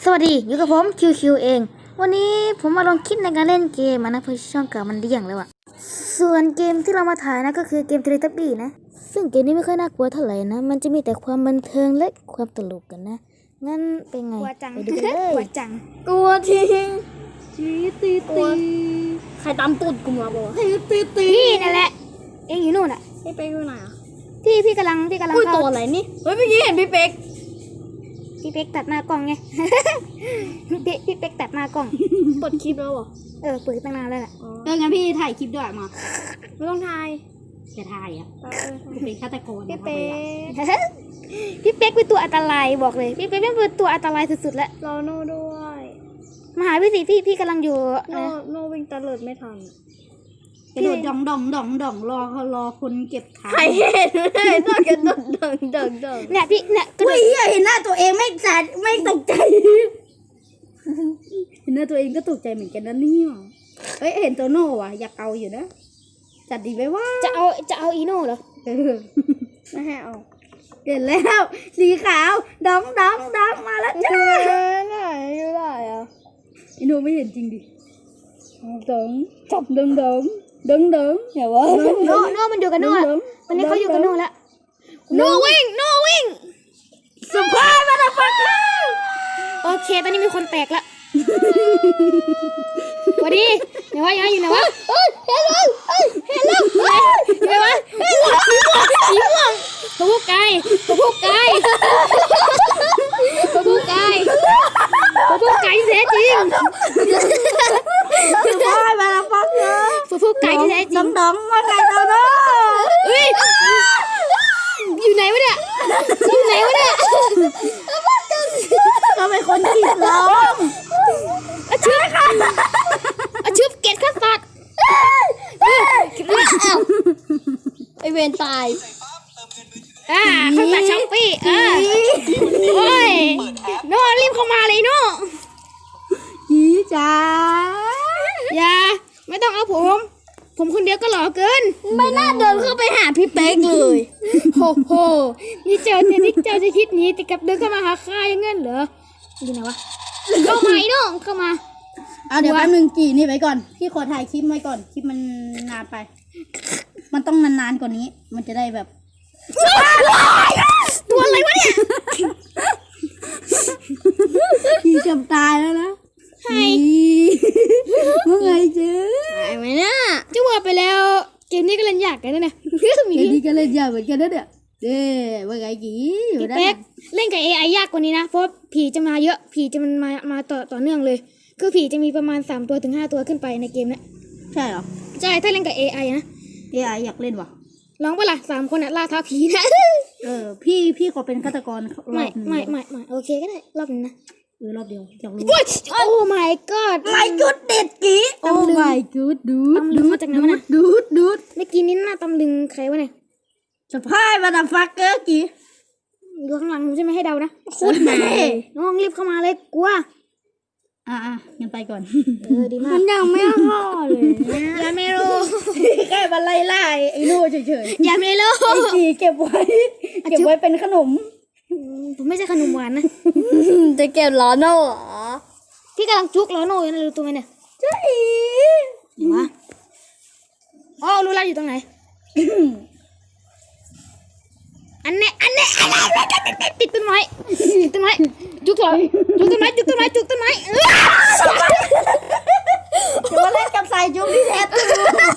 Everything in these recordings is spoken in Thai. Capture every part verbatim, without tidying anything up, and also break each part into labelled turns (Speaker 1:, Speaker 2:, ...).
Speaker 1: สวัสดีอยู่กับผมคิวคิวเองวันนี้ผมมาลองคิดในการเล่นเกมนะเพราะช่องเก่ามันเดี่ยงแล้วอะส่วนเกมที่เรามาถ่ายนะก็คือเกมเทเลทับบี้นะซึ่งเกมนี้ไม่ค่อยน่ากลัวเท่าไหร่นะมันจะมีแต่ความบันเทิงและความตลกกันนะงั้นเป็นไงไปดูกันเลยกลัวจัง
Speaker 2: กลัวจริงจีตีตีใครตามตูดกูมาบอกจีตีตี
Speaker 1: พี่นั่นแหละเองอยู่นู่นอะ
Speaker 2: พี่เป๊กอยู่ไหนอ่ะ
Speaker 1: พี่พี่กำลังพี่กำลัง
Speaker 2: อุ้ย
Speaker 1: เข้า
Speaker 2: ตัวอะไรนี่เฮ้ยเมื่อกี้เห็นพี่เป๊ก
Speaker 1: พี่เป๊กตัดหน้ากล้องไง พี่พี่เป๊กตัดหน้ากล้อง
Speaker 2: เปิดคลิปแล้วเหรอ
Speaker 1: เออเปิดตั้งนานแล้วแหละ
Speaker 2: เอองั้นพี่ถ่ายคลิปด้วยมาไม่ต้องถ่ายจะถ่ายอ่ะเป็นฆาตกรพี่เป๊ก
Speaker 1: พี่เป๊กเป็นตัวอันตรายบอกเลยพี่เป๊กเป็นตัวอันตรายสุดๆแล้ว
Speaker 2: รอโน่ด้วย
Speaker 1: มาหาพี่สิพี่พี่กำลังอยู่
Speaker 2: โน่
Speaker 1: นะ
Speaker 2: โน่วิ่งตะเลิดไม่ทันกระโดดดองดองดองดองรอเขารอคนเก็บขาใครเห็นเลยนอกจากดองดองดองดอง
Speaker 1: เนี่ยพี่เนี่ยกระโด
Speaker 2: อุ้
Speaker 1: ด
Speaker 2: ยเห็นหน้าตัวเองไม่สัดไม่ตกใจ เห็นหน้าตัวเองก็ตกใจเหมือนกันนะเนี่ยเฮ้ยเห็นโตโน่ว่ะอยากเอาอยู่นะจัดดีไปว่า
Speaker 1: จะเอาจะเอาอีโน่เหรอ
Speaker 2: เออไม่ให้เอาเห็นแล้วสีขาวดองดองดองมาแล้วจ้าไหนอยู่ไหนอ่ะอีโน่ไม่เห็นจริงดิดองจับดองดองดองดองอย่าวะ
Speaker 1: โน่โน่มันอยู่กับโน่วันนี้เขาอยู่กับโน่แล้วโน่วิ่งโน่วิ่ง
Speaker 2: สปายมาแล้วฟักเกอร์
Speaker 1: โอเคตอนนี้มีคนแตกละสวัสดีเดี๋ยวว่ายังอยู่ไหนวะเฮ้ยเห็นแล้วเฮ้ยเห็นแล้วเดี๋ยววะสีม่วงสีม่วงตัวผู้ไก่ตัวผู้ไก่ตัวผู้ไก่ตัวผู้ไก่ที่แท้จริง
Speaker 2: สปายมาแล้วฟักเกอร์
Speaker 1: ตัวผู้ไก่ที่แท้จ
Speaker 2: ด
Speaker 1: ริ
Speaker 2: อง งดองมาไก่โตโน่
Speaker 1: เฮ้ยอยู่ไหนวะเนี่ยอยู่ไหนวะเนี่ย
Speaker 2: ก็เป็นคนขีดร้อง
Speaker 1: อาชึบอาชึบเกตข้าสัตว์ไอเวนตายอ่าข้าสัตว์ช้อปปี้อ่าโอ้ยโน่รีบเข้ามาเลยโน่
Speaker 2: จีจ้า
Speaker 1: อย่าไม่ต้องเอาผม ผมคนเดียวก็หล่อเกิน
Speaker 2: ไม่น่าเดินเข้าไปหาพี่เป๊กเลย
Speaker 1: โหโหนี่เจอเทนิคเจอจะคิดหนี้แต่กลับเดินเข้ามาหาข้าอย่างงั้นเหรออยู่ไหนวะเข้ามาไอ้โน่เข้ามา
Speaker 2: เอาเดี๋ยวแป๊บนึงจีนี่ไว้ก่อนพี่ขอถ่ายคลิปไว้ก่อนคลิปมันนานไป มันต้องนานๆกว่านี้ มันจะได้แบบ
Speaker 1: ตัวอะไรวะเนี่ย
Speaker 2: จีจำตายแล้วนะ
Speaker 1: ใช่
Speaker 2: เมื่อไงเจ๊
Speaker 1: หายไหมเนี่ยจะว่าไปแล้วเกมนี้ก็เล่นยากกันนะเนี่ย
Speaker 2: เดี๋ยวนี้ก็เล่นยากเหมือนกันนะเนี่ยเด้เมื่อไงจีอยู่
Speaker 1: พี่
Speaker 2: ได้
Speaker 1: เป๊กเล่นกับ เอ ไอ ยากกว่านี้นะเพราะผีจะมาเยอะผีจะมันมามาต่อต่อเนื่องเลยคือผีจะมีประมาณสามตัวถึงห้าตัวขึ้นไปในเกมเนี้ย
Speaker 2: ใช่เหรอ
Speaker 1: ใช่ถ้าเล่นกับ เอ ไอ นะ
Speaker 2: เอไออยากเล่นวะ
Speaker 1: ลองปะล่ะสามคนอะล่าท้าผีนะ
Speaker 2: เออพี่พี่ขอเป็นฆาตกรร
Speaker 1: ไม่
Speaker 2: อบหนึ่ง
Speaker 1: ไม่ไม่ไม่โอเคก็ได้รอบนึงนะ
Speaker 2: เออรอบเดียวอยากรู้
Speaker 1: โอ้ยโอ้ my god
Speaker 2: ไม่กุดเด็ดกีโอ้
Speaker 1: ตำลึง
Speaker 2: ไม่กุดดูด
Speaker 1: ตำลึงมาจากไหนวะน่ะ
Speaker 2: ดูดดูด
Speaker 1: เมื่อกี้นี้หน้าตำลึงใครวะเนี่ย
Speaker 2: สปายมาดับฟักเกอร์กี
Speaker 1: อยู่ข้างหลังผมจะไม่ให้เดานะโคตรแม่น้องรีบเข้ามาเลยกลัว
Speaker 2: อ่ะอ่ะงั้นไปก่อน
Speaker 1: เออดีมาก
Speaker 2: มันยังไม่ห่อเลย
Speaker 1: อย่าไม่รู้
Speaker 2: แค่มาไล่ไล่ไอ้โน่เฉย
Speaker 1: อย่าไม่รู้
Speaker 2: ๆไอ้กีเก็บไว้ เก็บไว้เป็นขนม
Speaker 1: อืมผมไม่ใช่ขนมหวานนะ
Speaker 2: จะเก็บล้อโน่เหรอ
Speaker 1: พี่กำลังจุกล้อโน่อยู่นะรู้ตัวไหมเนี่ย
Speaker 2: ใช่
Speaker 1: วะอ๋อรู้แล้วอยู่ตรงไหน อันเนี้ยอันเนี้ยอันเนี้ยติดต้นไม้ติดต้นไม้จุกเหรอจุกต้นไม้จุกต้นไม้จุกต้นไม้
Speaker 2: เดี๋ยวมาเล่นกับสายจุ๊บที่แท้ตัว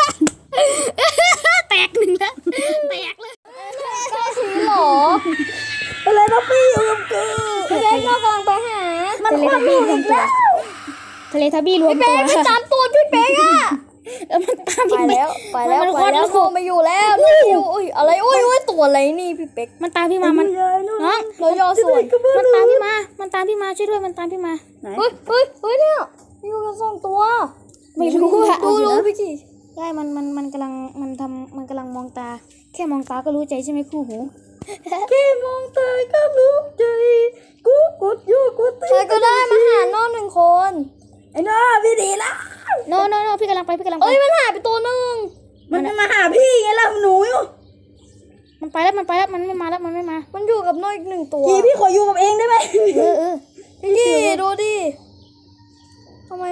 Speaker 1: แตกหนึ่งแล้วแตกเลย
Speaker 2: สีหรออะไรนะพี่อยู่กับกูพี่เป๊กเรากำลังไปหามันควันอยู่อีกแล้ว
Speaker 1: ทะเลทับบี้รวม
Speaker 2: พี่
Speaker 1: ตั
Speaker 2: เป๊
Speaker 1: ว
Speaker 2: กไปตามตูดพี่เป๊กอะ
Speaker 1: เออมันตาม
Speaker 2: ไป
Speaker 1: พี่เป๊
Speaker 2: แล้
Speaker 1: ก
Speaker 2: วไปแล้ว
Speaker 1: มัน
Speaker 2: ไป
Speaker 1: ควัน
Speaker 2: แล้ว
Speaker 1: ลูก
Speaker 2: โทรมาอยู่แล้วนี่อุ้ยอะไรอุ้ยอุ้ยตัวอะไรนี่พี่เป๊ก
Speaker 1: มันตามพี่มามันน้อง
Speaker 2: เราย่อส่วน
Speaker 1: มันตามพี่มา มันตามพี่มาช่วยด้วยมันตามพี่มา
Speaker 2: เฮ้ยเฮ้ยเฮ้ยเนี่ยอยู่กันสองตัว
Speaker 1: ไม่รู้อะ
Speaker 2: ดูดูพี่จี
Speaker 1: ใช่มันมันมันกำลังมันทำมันกำลังมองตา แค่มองตาก็รู้ใจใช่ไหมคู่หู
Speaker 2: แค่มองตาก็รู้ใจกูกดอยู่กูตีใครก็ได้มาหาน้องหนึ่งคนไอ้น้าพี่ดีละ
Speaker 1: โนโนโนพี่กำลังไปพี่กำลังไป
Speaker 2: เอ้ยมันหายไปตัวหนึ่งมันมาหาพี่ไงล่ะหนูอยู่
Speaker 1: มันไปแล้วมันไปแล้วมันไม่มาแล้วมันไม่มา
Speaker 2: มันอยู่กับน้องอีกหนึ่งตัวพี่พี่ขออยู่กับเองได้ไหม
Speaker 1: เออเออ
Speaker 2: พี่ดู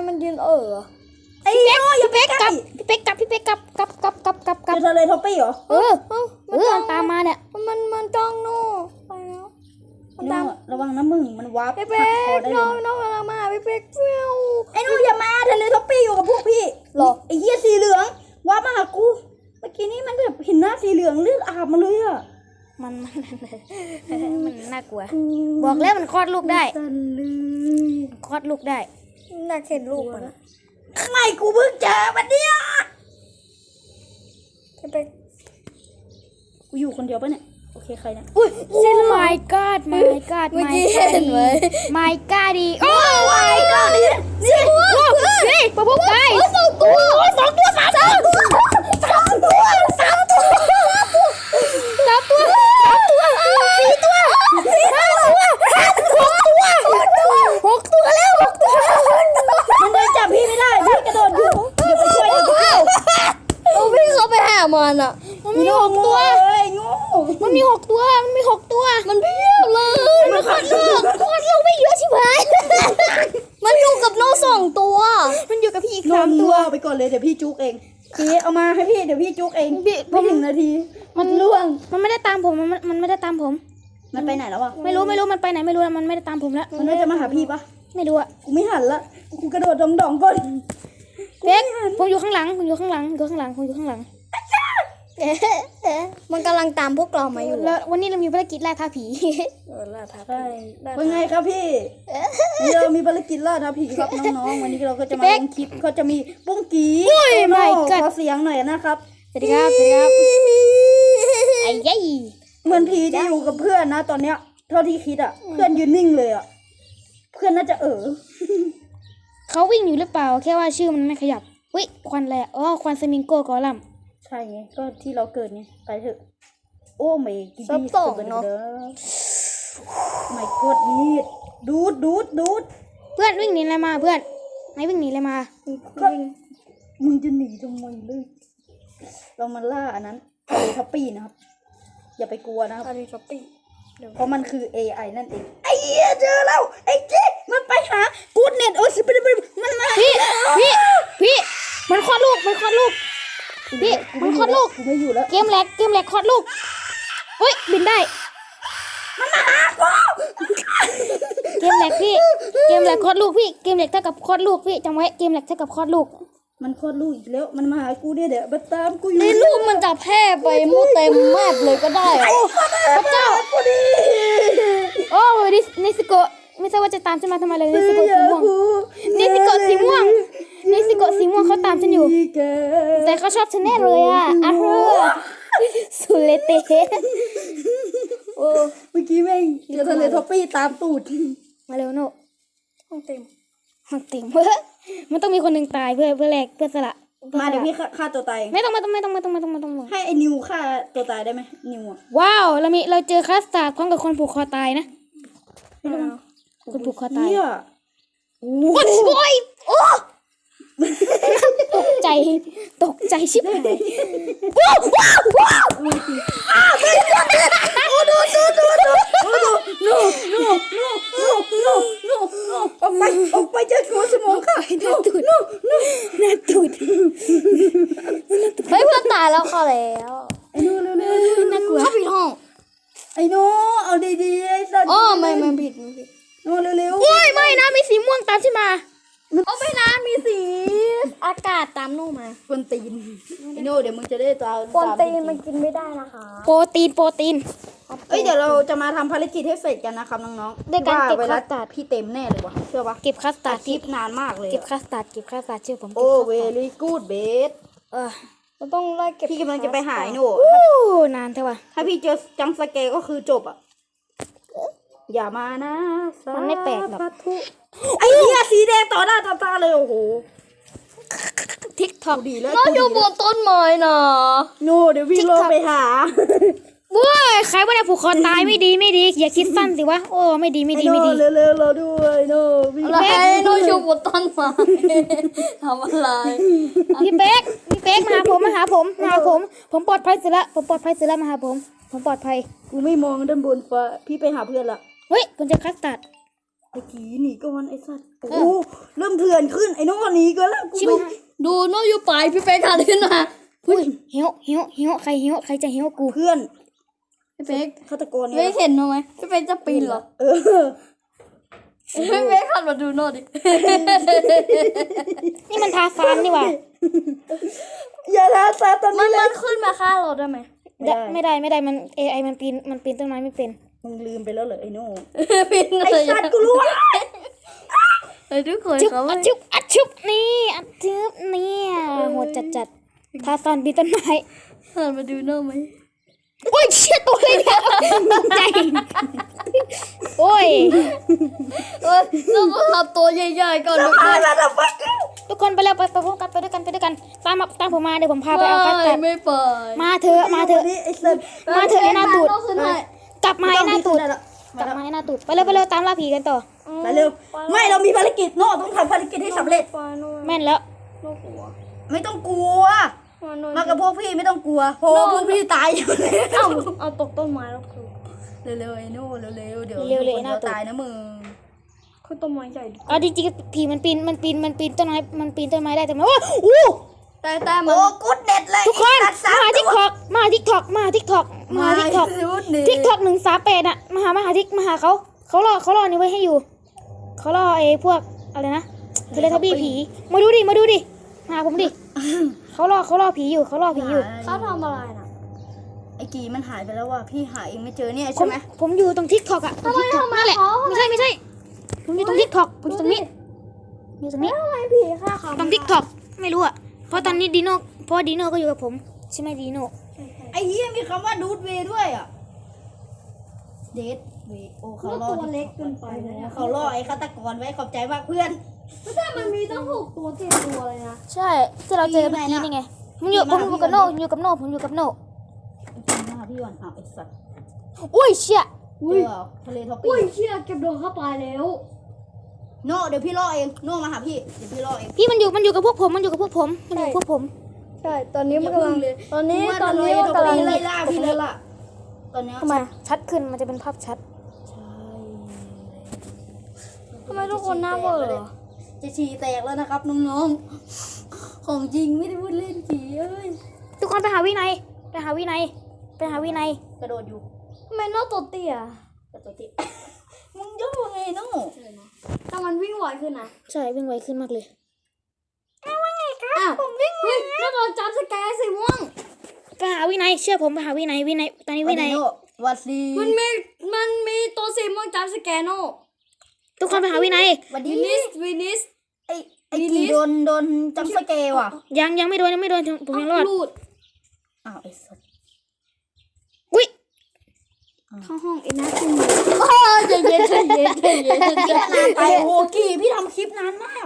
Speaker 2: มันยืนเออ
Speaker 1: ไอ้โน่อย่าไปใกล้พี่เป๊กกลับพี่เป๊กกลับกลับกลับกลับกลับกลับ
Speaker 2: เจอทะเลท็อปปี้เหรอ
Speaker 1: เออเออมันตามมาเนี่ย
Speaker 2: มันมันจ้องโน่ไปแล้วมันตาม
Speaker 3: ระวังนะมึงมันวาร์ป
Speaker 2: พี่เป๊กน้องน้องกำลังมาพี่เป๊กเฟี้ยว
Speaker 3: ไอ้หนูอย่ามาทะเลท็อปปี้อยู่กับพวกพี่
Speaker 2: หรอ
Speaker 3: ไอ้เหี้ยสีเหลืองวาร์ปมาหากูเมื่อกี้นี้มันแบบเห็นหน้าสีเหลืองเลือดอาบมาเลยอะ
Speaker 1: มันมันมันน่ากลัว บอกแล้วมันคลอดลูกได้
Speaker 3: สันเลย
Speaker 1: คลอดลูกได้
Speaker 2: น่าเข็นลูกมัน
Speaker 3: ไม่กูเพิ่งเจอมันเนี่ย
Speaker 2: พี่เป๊ก
Speaker 3: กูอยู่คนเดียวปะเนี่ยโอเคใครเนี่ย
Speaker 1: อุ้ย my god my god
Speaker 2: เมื่อ
Speaker 1: my
Speaker 2: กี้
Speaker 1: god
Speaker 2: เห็นไหม
Speaker 1: my god ดีโอ้
Speaker 3: my god นี่นี่
Speaker 1: นี่ปะพบไก่สองตัวสองตัวสามตัวสามตัวสามตัวสามตัวสามตัวสี่ตัวห้าตัวหกตัวหกตัวแล้วหกตัว
Speaker 3: มันเลยจับพี่ไม่ได้พี่กระโดดอยู่เดี๋ยวไปช่วยเดี๋ยวพี่
Speaker 2: โอ้พี่เขาไปหามันอ่ะ
Speaker 1: มันมีหกตัว
Speaker 3: เอ้ยงู
Speaker 1: มันมีหกตัวมันมีหกตัว
Speaker 2: มันเพียบเลย
Speaker 1: มันคลอดลูกคลอดลูกไม่เยอะชิบหาย
Speaker 2: มันอยู่กับโน่สองตัว
Speaker 1: มันอยู่กับพี่อีก
Speaker 3: น
Speaker 1: สาม
Speaker 3: ม
Speaker 1: ตั
Speaker 3: ตัว วไปก่อนเลยเดี๋ยวพี่จุกเองพี่เอามาให้พี่เดี๋ยวพี่จุกเอง
Speaker 1: พี่
Speaker 3: ไม่ถึงนาทีมันล่วง
Speaker 1: มันไม่ได้ตามผมมันมันไม่ได้ตามผม
Speaker 3: มันไปไหนแล้วอะ
Speaker 1: ไม่รู้ไม่รู้มันไปไหนไม่รู้แล้วมันไม่ได้ตามผมแล้ว
Speaker 3: มันน่าจะมาหาพี่ปะ
Speaker 1: ไม่รู้อะ
Speaker 3: กูไม่หันละกูกระโดดดองดองๆก่อน
Speaker 1: เด็กผมอยู่ข้างหลังผมอยู่ข้างหลังอยู่ข้างหลังผมอยู่ข้างหลัง
Speaker 2: มันกำลังตามพวกเรามาอยู่
Speaker 1: แล้ววันนี้เรามีภารกิจล่าท้าผี
Speaker 2: เออล่าท้า
Speaker 3: ใช่ว่าไงครับพี่นี่เรามีภารกิจล่าท้าผีครับน้องๆวันนี้เราก็จะมาลงคลิปเขาจะมีปุ้งกีโอ้โน่ขอเสียงหน่อยนะครับ
Speaker 1: สวัสดีครับสวัสดีครับไอ้ยัย
Speaker 3: เหมือนผีที่อยู่กับเพื่อนนะตอนเนี้ยเท่าที่คิดอะเพื่อนยืนนิ่งเลยอะเพื่อนน่าจะเออ
Speaker 1: เขาวิ่งอยู่หรือเปล่าแค่ว่าชื่อมันไม่ขยับอุ้ยควันอะไรอะอ๋อควันสมิงโก้กอลัม
Speaker 3: ใช่ไงก็ที่เราเกิดไงไปเถอะโอ้ไม่กิน
Speaker 2: ซับ
Speaker 3: ดี
Speaker 2: สอง
Speaker 3: สุด
Speaker 2: เนาะ
Speaker 3: เด้อไม่กดนีดดูดดูดดูด
Speaker 1: เพื่อนวิ่งหนีอะไรมาเพื่อนไหนวิ่งหนีอะไรมา
Speaker 3: ก็มึงจะหนีทำไมเลยเรามาล่าอันนั้นทะเลทัปปี้นะครับอย่าไปกลัวนะครับ
Speaker 2: ทะเลท็อปปี้
Speaker 3: เพราะมันคือ เอ ไอ นั่นเองไอ้เหี้ยเจอแล้วไอ้เจ๊มันไปหากูดเน็ตโอ้สิบมันมันมา
Speaker 1: พี่พี่พี่มันคลอดลูกมันคลอดลูกพี่มันคลอดลูก
Speaker 3: กูไม่อยู่แล้ว
Speaker 1: เกมแหลกเกมแหลกคลอดลูกเฮ้ยบินได้
Speaker 3: มันมาหากู
Speaker 1: เกมแหลกพี่เกมแหลกคลอดลูกพี่เกมแหลกเท่ากับคลอดลูกพี่จำไว้เกมแหลกเท่ากับคลอดลูก
Speaker 3: มันคลอดลูกอีกแล้วมันมาหากูเนี่ยเดี๋ยวมาตามกูอยู่
Speaker 2: ในรูปมันจะแพร่ไปมั่วเต็มแมปเลยก็ได้อะ
Speaker 1: พระเจ้า
Speaker 3: กูดิ
Speaker 1: โอ้นินิสโกะไม่ใช่ว่าจะตามฉันมาทำไมเลยนิสโกะสีม่วงนิสโกะสีม่วงนิสโกะสีม่วงเขาตามฉันอยู่แต่เขาชอบฉันแน่เลยอ่ะอ่ะเฮ้อสุเลเตโอ้
Speaker 3: เมื่อกี้แม่งเจอทะเลท็อปปี้ตามตูด
Speaker 1: มาเร็วโน่
Speaker 2: ห้องเต็ม
Speaker 1: มันติ่มเพื่อมันต้องมีคนหนึ่งตายเพื่อเพื่อแลกเพื่อสละ
Speaker 3: มาเดี๋ยวพี่ฆ่าตัวตาย
Speaker 1: ไม่ต้องไม่ต้องไม่ต้องไม่ต้องไม่ต้องไม่ต้องไม่ต้อง
Speaker 3: ให้ไอ้นิวฆ่าตัวตายได้ไหมนิวอ่ะ
Speaker 1: ว้าวเรามีเราเจอคัสตาร์ดพร้อมกับคนผูกคอตายนะคนผูกคอตาย
Speaker 3: เหี้ย
Speaker 1: โอ้ยโอ้ยโอ้ตกใจตกใจชิบหายว้าวว้าวว้าว
Speaker 3: โอ้ดูดูดูดูโอ้ดูโน่โน่โน่โน่โน่โน่โน่ออกไปออกไปเจอหัวสมองค่ะโน่โน่โน่
Speaker 1: หน้าตูด
Speaker 2: เฮ้ยเพื่อนตายแล้วเข้าแล้ว
Speaker 3: ไอ้โน่เร็วเร็วเร็ว
Speaker 1: น่ากลัว
Speaker 2: เข้าผิดห้อง
Speaker 3: ไอ้โน่เอาดีๆไอ้สัตว์
Speaker 2: อ๋อไม่ไม่ผิดไม่ผิด
Speaker 3: โน่เร็วเร็ว
Speaker 1: โอ้ยไม่นะมีสีม่วงตามฉันมา
Speaker 2: โอ้ไม่นะมีสีอากาศตามโน่มา
Speaker 3: กวนตีนไอ้โน่เดี๋ยวมึงจะได้ตาม
Speaker 2: โปรตีนมันกินไม่ได้นะคะ
Speaker 1: โปรตีนโปรตีน
Speaker 3: เอ้ยเดี๋ยวเราจะมาทำภารกิจให้เสร็จกันนะครับน้องๆ
Speaker 1: ด้วยการเก็บ
Speaker 3: ว่าเวลา
Speaker 1: คัสตาร์ด
Speaker 3: พี่เต็มแน่เลยวะเชื่อปะ
Speaker 1: เก็บคัสตาร์ด
Speaker 3: คลิ
Speaker 1: ที่
Speaker 3: ปนานมากเลย
Speaker 1: เก็บคัสตาร์ดเก็บคัสตาร์ดเชื่อผม
Speaker 3: โอ้เวลี่กูดเบส
Speaker 1: เออ
Speaker 2: เราต้องไล่เก็บ
Speaker 3: พี่กำลังจะไปหาไอ้โน่
Speaker 1: โอ้นานเท่าว่ะ
Speaker 3: ถ้าพี่เจอจังสเกก็คือจบอ่ะอย่ามานะ
Speaker 1: มันไม่แปลกหรอก
Speaker 3: สาธุไอ้เหี้ยสีแดงต่อหน้าต่อตาเลยโอ้โห
Speaker 1: ทิกทอก
Speaker 3: ดีแล้ว
Speaker 2: เราอยู่บนต้นไม้นะ
Speaker 3: โน่เดี๋ยววิ่งลงไปหา
Speaker 1: ว้ยใครว่าเนี่ยผูกคอตายไม่ดีไม่ดีอย่าคิดสั้นสิวะโอ้ไม่ดีไม่ดีไม่ดี
Speaker 3: ไอ้โน่เร็วๆเราด้วยโน่วิ่ง
Speaker 2: อะไรโน่อยู่บนต้นไม้ทำอะไร
Speaker 1: พี่เป๊กพี่เป๊กมาหาผมมาหาผมมาหาผม ผมปลอดภัยสุดละผมปลอดภัยสุดละมาหาผม ผมปลอดภัย
Speaker 3: กูไม่มองด้านบนฟ้าพี่ไปหาเพื่อนละ
Speaker 1: เฮ้ยผมเจะคัสตาร์ด
Speaker 3: ไอ้กีหนีก่อนไอ้สัตว์โอ้เริ่มเถื่อนขึ้นไอ้น้องหนีก่อนแล้วกู
Speaker 1: ชิบ
Speaker 3: ดู
Speaker 1: หาย
Speaker 2: ดูโน้อยู่ปลายพี่เป๊กหันขึ้นมา
Speaker 1: อุ้ยเหี้ยวเหี้ยวเหี้ยวใครเหี้ยวใครจะเหี้ยวกู
Speaker 3: เพื่อน
Speaker 2: พี่เป๊ก
Speaker 3: ฆาตกร
Speaker 2: ไม่
Speaker 3: เนี่ย
Speaker 2: เห็นหนูไหมพี่เป๊กจะปีนเหรอ
Speaker 3: เออ
Speaker 2: พี่เป๊กหันมาดูโน้ดิ
Speaker 1: นี่มันทาฟานนี่หว่า
Speaker 3: อย่าลาซาตอน
Speaker 2: มั
Speaker 3: นี้
Speaker 2: น
Speaker 3: เล
Speaker 2: มั
Speaker 3: ย
Speaker 2: นขึ้นมาฆ่าเราได้ไหม
Speaker 1: ไม่ได้ไม่ได้มัน เอ ไอ มันปีนมันปีนต้นไม้ไม่เป็น
Speaker 3: มึงลืมไปแล้วเหรอไอ้โน่
Speaker 2: ปีน
Speaker 3: ไอ้
Speaker 2: เลย
Speaker 3: สัตว์กูรู้ว่า
Speaker 2: ไอ้ทุกคน
Speaker 1: จุบ
Speaker 2: เขา
Speaker 1: อัดจุบอัดจุบนี่อัดจุบเนี่ยโหดจัดจัดทาฟานปีนต้นไม้
Speaker 2: หันมาดูโน้ไหม
Speaker 1: โอ้ยเชี่ยตัวเลยเนี่ยตกใจโอ้ย
Speaker 2: เออเราก็ทำตัวใหญ่ๆก่อนทุกคน
Speaker 3: อะไรแบบว่า
Speaker 1: ทุกคนไปแล้วไปไปพร้อมกันไปด้วยกันไปด้วยกันตามมาตามผมมาเดี๋ยวผมพาไปเอาคัส
Speaker 2: ไม่
Speaker 1: เตอร์
Speaker 2: ไม่ไป
Speaker 1: มาเถอะมาเถอะ
Speaker 3: ไอ้สัตว์
Speaker 1: มาเถอะไอ้หน้าตูด
Speaker 2: ต้องขึ้นให้
Speaker 1: กลับมาไอ้หน้าตูด
Speaker 3: ไม่ต้อง
Speaker 1: กลับมาไอ้หน้าตูดไปเร็วไปเร็วตามล่าผีกันต่อ
Speaker 3: ไปเร็วไม่เรามีภารกิจโน่ต้องทำภารกิจให้สำเร็จ
Speaker 1: แม่นแล้ว
Speaker 2: โน้กลัว
Speaker 3: ไม่ต้องกลัว มากับพวกพี่ไม่ต้องกลัวเพราะว่าพวกพี่ตายอยู่แล้ว
Speaker 2: เอ้าเอาตกต้นไม้แล้วคือ
Speaker 3: เร็วๆไอ้โน่เร็วๆเดี๋ยว
Speaker 1: เร็วๆเลย
Speaker 3: คน
Speaker 1: หน้า
Speaker 3: เดียว
Speaker 1: ตูด
Speaker 3: ตายนะมึง
Speaker 2: คือต้นไม้ใหญ่ดิ
Speaker 1: เอาจริงๆผีมันปีนมันปีนมันปีนต้นไม้มันปีนต้นไม้ได้แต่มันโอ้อู้
Speaker 2: แต่แต่มั
Speaker 3: โอ้
Speaker 2: น
Speaker 3: กูดเด็ดเลย
Speaker 1: ทุกคน
Speaker 3: ไอ้สัตว์
Speaker 1: มา
Speaker 3: สาม
Speaker 1: ทิก
Speaker 3: ตัว
Speaker 1: ทอกมาทิกทอกมาทิกทอกมาทิกทอก
Speaker 3: ไม่รู้ดิ
Speaker 1: ทิกทอกหนึ่งสามแปดอะมาหามาหาทิกมาหาเขาเขารอเขารอนี่ไว้ให้อยู่เขารอไอ้พวกอะไรนะเทเลทับบี้ผีมาดูดิมาดูดิมาหาผมดิเขารอเขารอผีอยู่เขารอผีอยู่
Speaker 2: เขาทำอะไรน่ะ
Speaker 3: ไอ้กีมันหายไปแล้วว่ะพี่หาเองไม่เจอเนี่ย
Speaker 1: ผ
Speaker 3: ใช่
Speaker 1: ม
Speaker 3: ไหม
Speaker 1: ผมอยู่ตรงทิกทอกอะตรงทิกทอกนั่นแหละ
Speaker 2: เขา
Speaker 1: ไม่ใช่ไม่ใช่ผมอยู่ตรงทิกทอกผมอยู่ตรงนี้อยู่ตรงนี้
Speaker 2: ทำไมผีฆ่าเขา
Speaker 1: ตรงทิกทอกไม่รู้อะเพราะตอนนี้ดีโน่เพราะว่าดีโน่ก็อยู่กับผมใช่ไหมดีโน่
Speaker 3: ไอ้เหี้ยมีคำว่าดูดเวย์ด้วยอ่ะเดทเวย์โอ้เขาล่อ
Speaker 2: ตัวเล็กเกินไปนะ
Speaker 3: เขาล่อไอ้ฆาตกรไว้ขอบใจมากเพื่อน
Speaker 2: ไม่ใช่มันมีตั้งหกตัวเจ็ดตัวเลยนะ
Speaker 1: ใช่ที่เราเจอเมื่อกี้นี่ไงผมอยู่ผมอยู่กับโน่ผมอยู่กับโน่ผมอยู่กับโน่
Speaker 3: จริงนะพี่ก่อนอ้าวไอ้สัตว์
Speaker 1: อุ้ยเชี่ย
Speaker 3: เจอเหรอทะเลท็อป
Speaker 2: อุ้
Speaker 3: ปี้
Speaker 2: ยเชี่ยเก็บโดนเข้าไปแล้ว
Speaker 3: โน่เดี๋ยวพี่ล่อเองโน่มาหาพี่เดี๋ยวพี่ล่อเอง
Speaker 1: พี่มันอยู่มันอยู่กับพวกผมมันอยู่กับพวกผมมันอยู่กับพวกผม
Speaker 2: ใช่ ตอนนี้มันกำลัง
Speaker 3: เลย
Speaker 2: ตอนนี้
Speaker 3: ว่า
Speaker 2: ตอนนี้
Speaker 3: ทะเล
Speaker 2: มัน
Speaker 3: ท็อป
Speaker 2: กำลัง
Speaker 3: ปี้ไล่ล่าพี่แล้วล่ะตอนเนี้ย
Speaker 1: ทำไมชัดขึ้นมันจะเป็นภาพชัด
Speaker 3: ใช่
Speaker 2: ทำไมทุกคนหน้าเบื่อเหรอ
Speaker 3: จะฉี่แตกแล้วนะครับน้องๆของจริงไม่ได้พูดเล่นผีเอ้ย
Speaker 1: ทุกคนไปหาวินัยไปหาวินัยไปหาวินัย
Speaker 3: กระโดดอยู่
Speaker 2: ทำไมโน้ตตัวเตี้ย
Speaker 3: กระโดดติมึงย่อไงโน่
Speaker 2: ถ้ามันวิ่งไวขึ้นนะ
Speaker 1: ใช่วิ่งไวขึ้นมากเลย
Speaker 2: อ้าวผมวิ่งไวโน้ตโดนจับสแกร์สีม่วง
Speaker 1: ไปหาวินัยเชื่อผมไปหาวินัยวินัยตอนนี้วินัย
Speaker 3: โน่วัดดี
Speaker 2: มันมีมันมีตัวสีม่วงจับสแกร์โน่
Speaker 1: ทุกคนไปหาวินัย
Speaker 3: วัดดี
Speaker 2: วินิสวินิส
Speaker 3: ไอ้ไอ้
Speaker 2: ลิ
Speaker 3: กี
Speaker 2: ลิส
Speaker 3: โดนโดนจำสเกลว่ะ
Speaker 1: ยังยังไม่โดนยังไม่โดนผมยังรอด
Speaker 2: ลูด
Speaker 3: อ้าวไอ้สัส
Speaker 1: อุ้ย
Speaker 2: เข้าห้องไอ้นัทขึ้นมาใจเย็นใจเย็นใจเย็นใจ
Speaker 3: นานไป
Speaker 2: เย็น
Speaker 3: โอ้กีพี่ทำคลิปนานมาก